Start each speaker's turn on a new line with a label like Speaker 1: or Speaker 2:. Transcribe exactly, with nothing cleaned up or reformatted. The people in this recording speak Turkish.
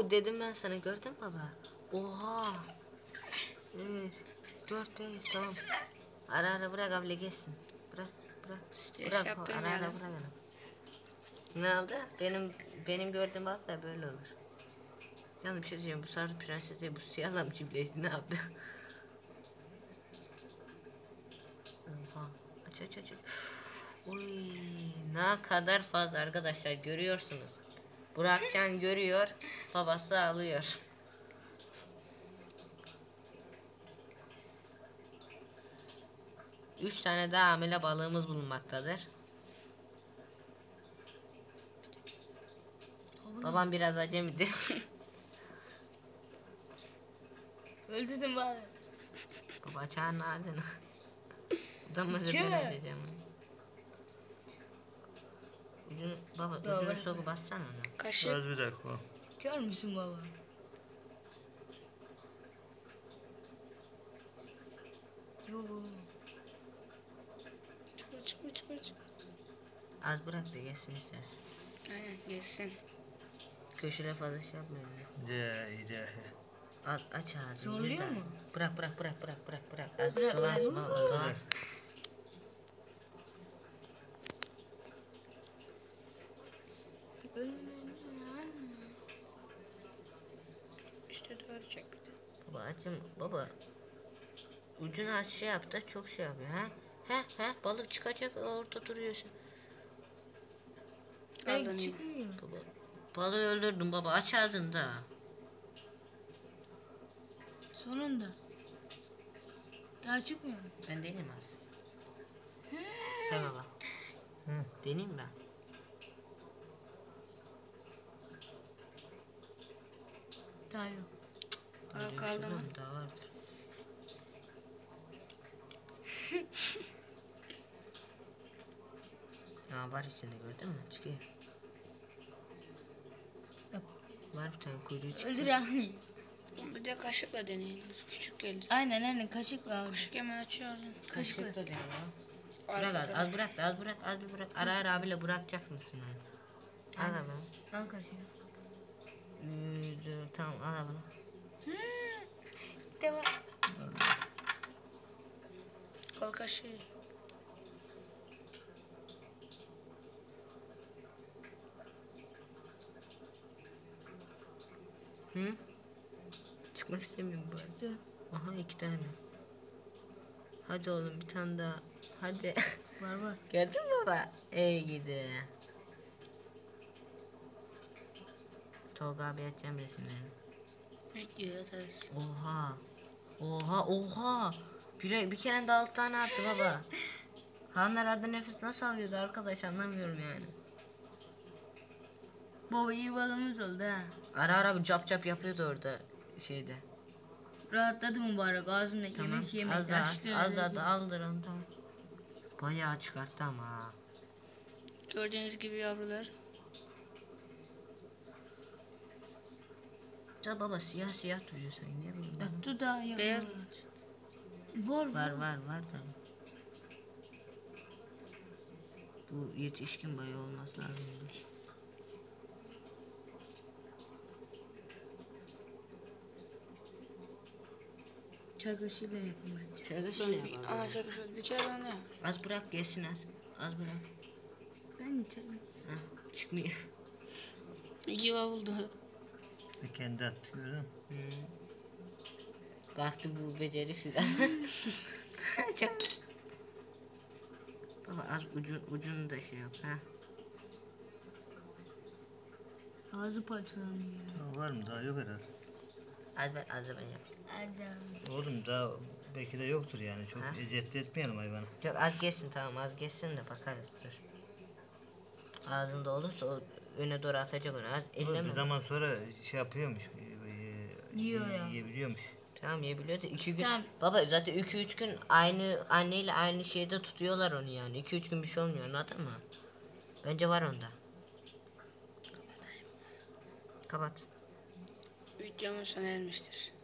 Speaker 1: Oo dedim ben sana, gördün mü baba? Oha. Evet. Dört beş tamam. Ara ara bırak abla geçsin. Bırak bırak.
Speaker 2: Stres
Speaker 1: Bırak ara
Speaker 2: yaptırmayalım.
Speaker 1: ara bırak ara. Ne oldu? Benim benim gördüğüm balıklar böyle olur. Canım bir şey diyeceğim, bu sarı prenses değil, bu siyahla mı çiftleşti, ne yaptı? Oha. Aç aç aç aç. Uy, ne kadar fazla arkadaşlar, görüyorsunuz. Burakcan görüyor, babası alıyor. Üç tane daha hamile balığımız bulunmaktadır. Babam biraz acemidir.
Speaker 3: Öldürdüm bari.
Speaker 1: Baba çağırın ağzını. Utanmasa
Speaker 3: Kim?
Speaker 1: ben açacağım. Ucunu, baba
Speaker 3: Baba,
Speaker 1: ucunu
Speaker 3: bırak,
Speaker 1: sokup bassana onu.
Speaker 2: Kaşık.
Speaker 4: Az bir dakika.
Speaker 3: Kör müsün baba? Yo.
Speaker 2: Çıkma çıkma çıkma çıkma.
Speaker 1: Az bırak da geçsin istersen.
Speaker 2: Aynen geçsin.
Speaker 1: Köşede fazla şey yapmayın.
Speaker 4: Ya ilahi.
Speaker 1: Az aç ağzını.
Speaker 3: Zorluyor
Speaker 1: bir daha.
Speaker 3: mu?
Speaker 1: Bırak bırak bırak bırak bırak bırak. Az
Speaker 3: Bırak,
Speaker 1: dolansın
Speaker 3: bırak.
Speaker 1: baba, dolan.
Speaker 2: İşte doğru çekti.
Speaker 1: Baba açım baba. Ucunu az şey yap da çok şey yapıyor ha. He he balık çıkacak, orada duruyorsun.
Speaker 3: Ay
Speaker 2: Aldın
Speaker 3: çıkmıyor.
Speaker 1: Baba balığı öldürdüm baba, aç ağzını da.
Speaker 3: Sonunda. Daha çıkmıyor mu?
Speaker 1: Ben deneyim az. He baba.
Speaker 4: Hı.
Speaker 1: Deneyim ben.
Speaker 3: Daha yok.
Speaker 2: Daha
Speaker 1: Öyle bir
Speaker 2: kaldı
Speaker 1: şey
Speaker 2: mı?
Speaker 1: var Daha vardır. Ya var içinde, gördün mü? Çıkıyor.
Speaker 3: Yap.
Speaker 1: Var bir tane kuyruğu çıktı.
Speaker 3: Öldür abi.
Speaker 2: Bir de kaşıkla deneyelim. Küçük geldi.
Speaker 3: Aynen aynen kaşık var.
Speaker 2: Kaşık hemen açıyor ağzını.
Speaker 1: Kaşık da diyor ya. Bırak az,
Speaker 2: Arkada.
Speaker 1: az bırak da az bırak az bir bırak. Ara ara abiyle bırakacak mısın onu? Al
Speaker 3: Aynen.
Speaker 1: abi.
Speaker 3: Al kaşığı.
Speaker 1: Yüzü tamam, al abi.
Speaker 2: Devam. Kol kaşığı.
Speaker 1: Hı? Çıkmak istemiyorum bu.
Speaker 3: Çıktı.
Speaker 1: Aha iki tane. Hadi oğlum bir tane daha. Hadi.
Speaker 3: Var var.
Speaker 1: Gördün mü baba? Ey gidi. Tolga abi atacağım resimlerini.
Speaker 2: Bekliyor yatarız.
Speaker 1: Oha. Oha oha. Bir, bir kere de altı tane attı baba. Hanlar arada nefes nasıl alıyordu arkadaş, anlamıyorum yani.
Speaker 3: Baba iyi balımız oldu ha.
Speaker 1: Ara ara bir cap cap yapıyordu orada şeyde.
Speaker 3: Rahatladı mübarek ağzında
Speaker 1: Tamam.
Speaker 3: yemek yemek
Speaker 1: Az daha
Speaker 3: açtı.
Speaker 1: az daha da aldır onu, tamam. Bayağı çıkarttı ama ha.
Speaker 2: Gördüğünüz gibi yavrular.
Speaker 1: Ya baba siyah siyah duruyor sen, niye bileyim ben?
Speaker 3: Yattı da ya.
Speaker 2: Beyaz.
Speaker 3: Var
Speaker 1: Var
Speaker 3: var.
Speaker 1: var var tabii. Bu yetişkin bayağı olması lazım.
Speaker 3: Çay kaşığıyla yapın bence.
Speaker 1: Şöyle
Speaker 2: Şöyle
Speaker 1: şöyle
Speaker 2: bir,
Speaker 1: yapalım.
Speaker 2: aha çok şöyle bir kere onu.
Speaker 1: Az bırak geçsin az. Az bırak.
Speaker 3: Ben çay...
Speaker 1: Heh, çıkmıyor.
Speaker 2: İki buldu.
Speaker 4: Bir kendi attı, gördün mü?
Speaker 1: Hmm. Baktı bu beceriksiz. Çok. Baba az ucu, ucunu da şey yap ha.
Speaker 3: Ağzı parçalanıyor.
Speaker 4: Daha var mı? Daha yok herhalde.
Speaker 1: Az ben az da ben yap.
Speaker 3: Adam.
Speaker 4: Oğlum daha belki de yoktur yani. Çok
Speaker 1: Ha?
Speaker 4: eziyet etmeyelim hayvana.
Speaker 1: Yok az geçsin, tamam az geçsin de bakarız, dur. Ağzında olursa o öne doğru atacak onu, az
Speaker 4: Oğlum
Speaker 1: elleme.
Speaker 4: bir zaman sonra şey yapıyormuş. e, e,
Speaker 3: Yiyor ya.
Speaker 4: Yiyebiliyormuş.
Speaker 1: Tamam yiyebiliyor da iki gün.
Speaker 3: Tamam.
Speaker 1: Baba zaten iki üç gün aynı anneyle aynı şeyde tutuyorlar onu yani. iki üç gün bir şey olmuyor, anladın mı? Bence var onda. Kapat.
Speaker 2: Videomuz sona ermiştir.